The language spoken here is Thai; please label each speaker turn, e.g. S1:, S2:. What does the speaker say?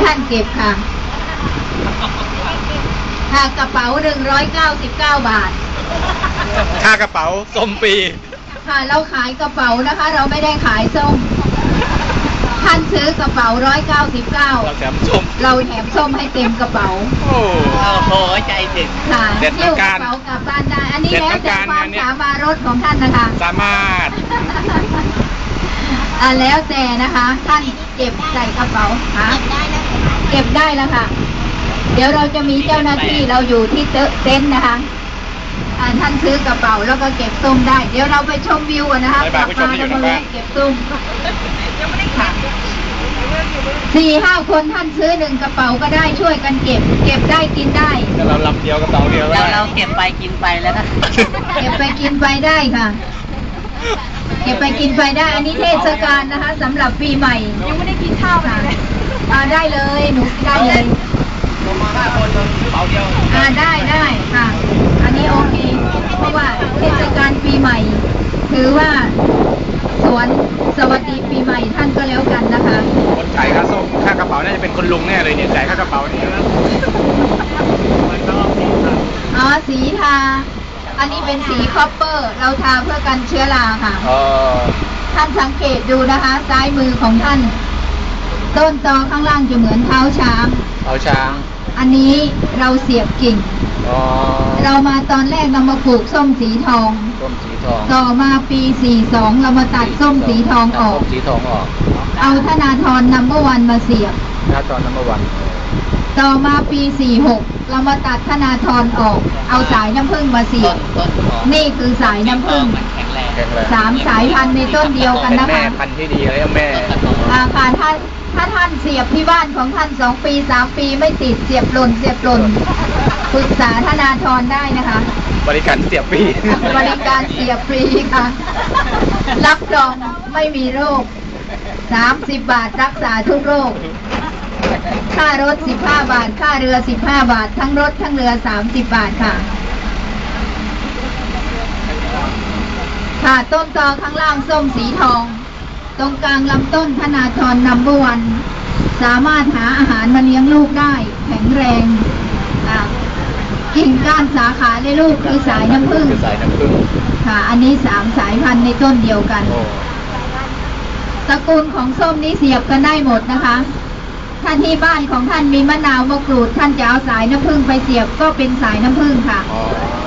S1: ท่านเก็บค่ะค่ากระเป๋า199 บาท
S2: ค่ากระเป๋าส้มปี
S1: ค่ะเราขายกระเป๋านะคะเราไม่ได้ขายส้มท่านซื้อกระเป๋า199
S2: เราแถมส้ม
S1: ให้เต็มกระเป๋า
S2: โอ้โหใจถึง
S1: ค่ะเที่ยวกระเป๋ากลับบ้านได้อันนี้แล้วแต่ความสามารถรถของท่านนะคะ
S2: สามารถ
S1: แล้วแต่นะคะท่านเก็บใส่กระเป๋าค่ะเก็บได้แล้วค่ะเดี๋ยวเราจะมีเจ้าหน้าที่เราอยู่ที่เต็นท์นะคะท่านซื้อกระเป๋าแล้วก็เก็บส้มได้เดี๋ยวเราไปชมวิวกันนะคะกลับมาแล้วมาเก็บส้มยังไม่ได้ค่ะ4-5 คนท่านซื้อ1กระเป๋าก็ได้ช่วยกันเก็บได้กินได้
S2: เราลำเดียวกระเป๋าเดียว
S3: เราเก็บไปกินไปแล้วก็
S1: เก็บไปกินไปได้ค่ะเก็บไปกินไปได้อันนี้เทศกาลนะคะสำหรับปีใหม่
S3: ยังไม่ได้กินข้าวเลย
S1: ได้เลยหนูได้เลย
S2: มา5 คนกระเป๋าเดียว
S1: ได้ค่ะอันนี้โอเคเพราะว่าเทศกาลปีใหม่ถือว่าสวนสวัสดีปีใหม่ท่านก็แล้วกันนะคะ
S2: คนจ่ายค่าส้มค่ากระเป๋าน่าจะเป็นคนลุงแน่เลยเนี่ยจ่ายค่ากระเป๋านี่นะ
S1: สีทาอันนี้เป็นสีคอปเปอร์เราทาเพื่อกันเชื้อราค่ะท่านสังเกตดูนะคะซ้ายมือของท่านต้นตอข้างล่างจะเหมือนเท้าช้างอันนี้เราเสียบกิ่งเรามาตอนแรกเรามาปลูกส้มสีทองต่อมาปี42เรามาตัดส้มสีทองออกเอาธนาธรนัมเบอร์วันมาเสียบต่อมาปี46เรามาตัดธนาธรออกเอาสายน้ำผึ้งมาเสียบนี่คือสายน้ำผึ้ง3 สายพันธุ์ในต้นเดียวกันนะคะ
S2: แม่พันธุ์ที่ดีเลยแม่
S1: ค่ะถ้าท่านเสียบที่บ้านของท่าน2 ปี 3 ปีไม่ติดเสียบหล่นปรึกษาธนาธรได้นะคะ
S2: บริการเสียบฟรี
S1: บริการเสียบฟรีค่ะรับรองไม่มีโรค30 บาทรักษาทุกโรคค่ารถ15 บาทค่าเรือ15 บาททั้งรถทั้งเรือ30 บาทค่ะต้นตอข้างล่างส้มสีทองตรงกลางลำต้นธนาธรนัมเบอร์วันสามารถหาอาหารมาเลี้ยงลูกได้แข็งแรงกิ่งก้านสาขาในลูกคือสายน้ำผึ้งค่ะอันนี้3 สายพันธุ์ในต้นเดียวกันตระกูลของส้มนี้เสียบกันได้หมดนะคะท่านที่บ้านของท่านมีมะนาวมะกรูดท่านจะเอาสายน้ำผึ้งไปเสียบก็เป็นสายน้ำผึ้งค่ะ